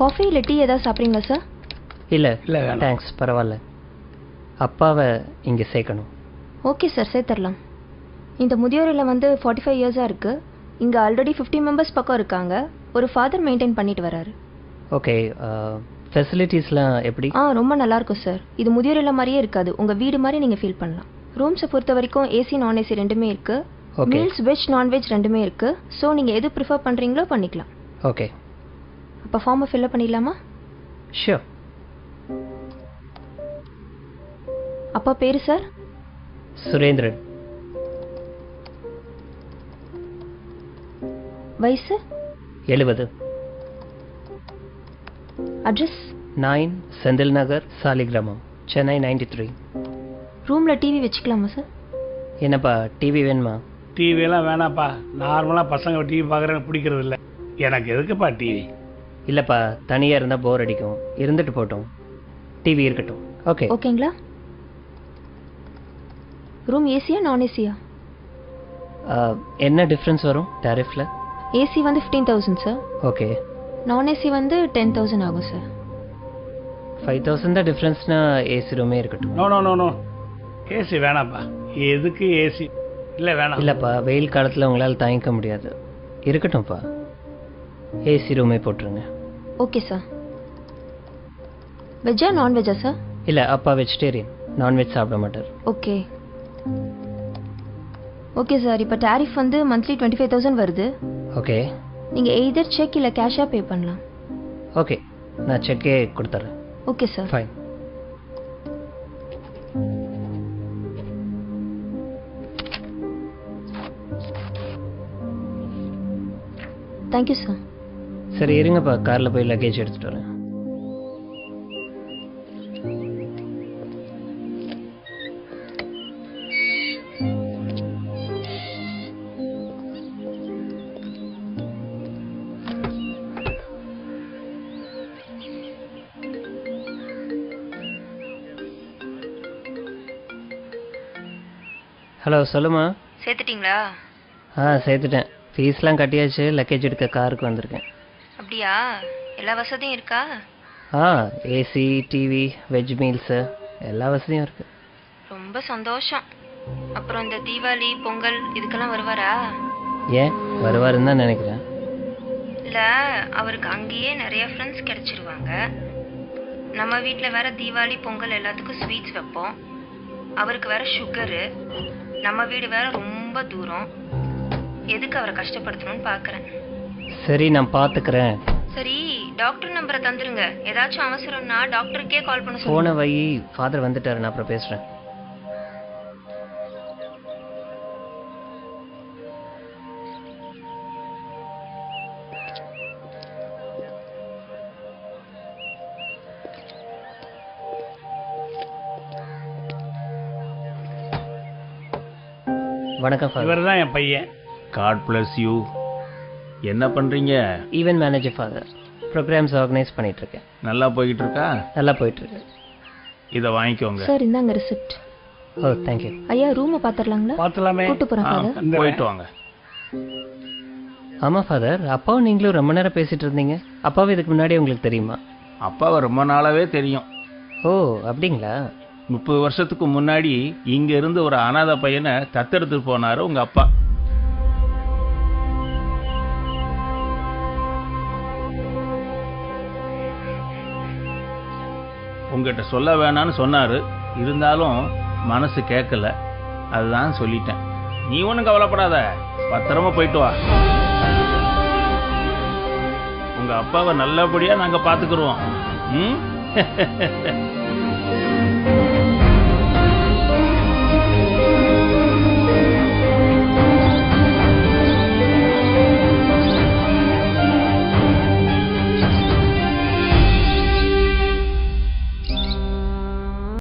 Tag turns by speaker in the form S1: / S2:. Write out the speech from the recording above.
S1: Coffee இல்லை tea ஏதாவது சாப்பிட்றீங்களா சார்?
S2: இல்லை இல்லை தேங்க்ஸ், பரவாயில்ல. அப்பாவை இங்கே சேர்க்கணும்.
S1: ஓகே சார், சேர்த்துடலாம். இந்த முதியோர் இல்லம் வந்து 45 இயர்ஸாக இருக்குது. இங்கே ஆல்ரெடி 50 மெம்பர்ஸ் பக்கம் இருக்காங்க. ஒரு ஃபாதர் மெயின்டைன் பண்ணிட்டு வராரு.
S2: ஓகே, ஃபெசிலிட்டிஸ்லாம் எப்படி?
S1: ரொம்ப நல்லாயிருக்கும் சார். இது முதியோர் இல்லம் மாதிரியே இருக்காது, உங்கள் வீடு மாதிரி நீங்கள் ஃபீல் பண்ணலாம். ரூம்ஸை பொறுத்த வரைக்கும் ஏசி நான் ஏசி ரெண்டுமே இருக்குது. மீல்ஸ் வெஜ் நான்வெஜ் ரெண்டுமே இருக்குது. ஸோ நீங்கள் எது ப்ரிஃபர் பண்ணுறீங்களோ பண்ணிக்கலாம்.
S2: ஓகே,
S1: அப்போ ஃபார்மை ஃபில்அப் பண்ணிடலாமா?
S2: ஷியோர்.
S1: அப்பா பேர் சார்?
S2: சுரேந்திரன்.
S1: வயசு?
S2: 70.
S1: அட்ரஸ்?
S2: 9 செந்தில் நகர், சாலிகிராமம், சென்னை 93.
S1: ரூமில் டிவி வச்சுக்கலாமா சார்?
S2: என்னப்பா டிவி வேணுமா?
S3: டிவியெல்லாம் வேணாப்பா. நார்மலாக பசங்க டிவி பார்க்குறேன்னு பிடிக்கிறது இல்லை. எனக்கு எதுக்குப்பா டிவி?
S2: இல்லைப்பா, தனியாக இருந்தால் போர் அடிக்கும். இருந்துட்டு போட்டோம், டிவி இருக்கட்டும். ஓகே
S1: ஓகேங்களா? ரூம் ஏசியா நான் ஏசியா?
S2: என்ன டிஃப்ரென்ஸ் வரும் டாரிஃபில்?
S1: ஏசி வந்து 15,000 சார்.
S2: ஓகே.
S1: நான் ஏசி வந்து 10,000 ஆகும் சார்.
S2: 5,000 தான் டிஃப்ரென்ஸ்னா ஏசி ரூமே இருக்கட்டும்.
S3: No no no no, AC வேணாப்பா. எதுக்கு ஏசி? இல்லை வேணாம்.
S2: இல்லைப்பா, வெயில் காலத்தில் உங்களால் தாங்கிக்க முடியாது. இருக்கட்டும்ப்பா, ஏசி ரூமே போட்டுருங்க.
S1: Okay sir. வெஜ்ஜா நான்வெஜ்ஜா சார்?
S2: இல்லை, அப்பா வெஜிடேரியன், நான்வெஜ் சாப்பிட மாட்டார்.
S1: Okay okay sir. இப்போ டாரிஃப் வந்து மந்த்லி 25,000 வருது.
S2: ஓகே.
S1: நீங்கள் எய்தர் செக் இல்லை கேஷாக பே பண்ணலாம்.
S2: ஓகே, நான் செக்கே கொடுத்துட்றேன்.
S1: Okay sir.
S2: Fine.
S1: Thank you sir.
S2: சரி இருங்கப்பா, காரில் போய் லக்கேஜ் எடுத்துகிட்டு வரேன். ஹலோ, சொல்லுமா.
S1: சேர்த்துட்டிங்களா?
S2: சேர்த்துட்டேன். ஃபீஸ்லாம் கட்டியாச்சு. லக்கேஜ் எடுக்க காருக்கு வந்திருக்கேன்.
S1: அப்படியா? எல்லா வசதியும் இருக்கா?
S2: ஏசி, டிவி, வெஜ் மீல்ஸு எல்லா வசதியும் இருக்குது.
S1: ரொம்ப சந்தோஷம். அப்புறம் இந்த தீபாவளி பொங்கல் இதுக்கெல்லாம் வருவாரா?
S2: ஏன் வருவாருன்னு தான் நினைக்கிறேன்.
S1: இல்லை, அவருக்கு அங்கேயே நிறைய ஃப்ரெண்ட்ஸ் கிடைச்சிருவாங்க. நம்ம வீட்டில் வேற தீபாவளி பொங்கல் எல்லாத்துக்கும் ஸ்வீட்ஸ் வைப்போம். அவருக்கு வேற சுகரு. நம்ம வீடு வேற ரொம்ப தூரம். எதுக்கு அவரை கஷ்டப்படுத்தணும்னு பார்க்குறேன்.
S2: சரி, நான் பார்த்துக்கிறேன்.
S1: சரி, டாக்டர் நம்பரை தந்துருங்க. ஏதாச்சும் அவசரம்னா டாக்டருக்கே கால் பண்ண
S2: போன வை. ஃபாதர் வந்துட்டாரு, நான் அப்புறம் பேசுகிறேன். வணக்கம் ஃபாதர்.
S3: இவர் தான் என் பையன்.
S4: God bless you. என்ன பண்ணுறீங்க?
S2: Event manager father. Programmes organise பண்ணிகிட்ருக்கேன்.
S4: நல்லா போய்கிட்டு இருக்கா?
S2: நல்லா போயிட்டுருக்கு.
S4: இதை வாங்கிக்கோங்க.
S1: சார், இந்தாங்க ரிசிப்ட்.
S2: ஓ, தேங்க்யூ.
S1: ஐயா, ரூமை பார்த்துடலாங்களா?
S3: பார்த்துலாமே.
S1: கூட்டு போகிறேன் ஃபாதர்.
S4: போயிட்டு வாங்க.
S2: ஆமாம் ஃபாதர், அப்பாவும் நீங்களும் ரொம்ப நேரம் பேசிகிட்டு இருந்தீங்க. அப்பாவும் இதுக்கு முன்னாடி உங்களுக்கு தெரியுமா?
S4: அப்பாவை ரொம்ப நாளாவே தெரியும்.
S2: ஓ, அப்படிங்களா?
S4: 30 வருஷத்துக்கு முன்னாடி இங்க இருந்து ஒரு அனாதை பையனை தத்தெடுத்துட்டு போனாரு உங்க அப்பா. உங்ககிட்ட சொல்ல வேணான்னு சொன்னாரு. இருந்தாலும் மனசு கேட்கல. அதுதான் சொல்லிட்டேன். நீ ஒன்றும் கவலைப்படாத, பத்திரமா போயிட்டு வா. உங்க அப்பாவை நல்லபடியா நாங்க பாத்துக்கிறோம். ம்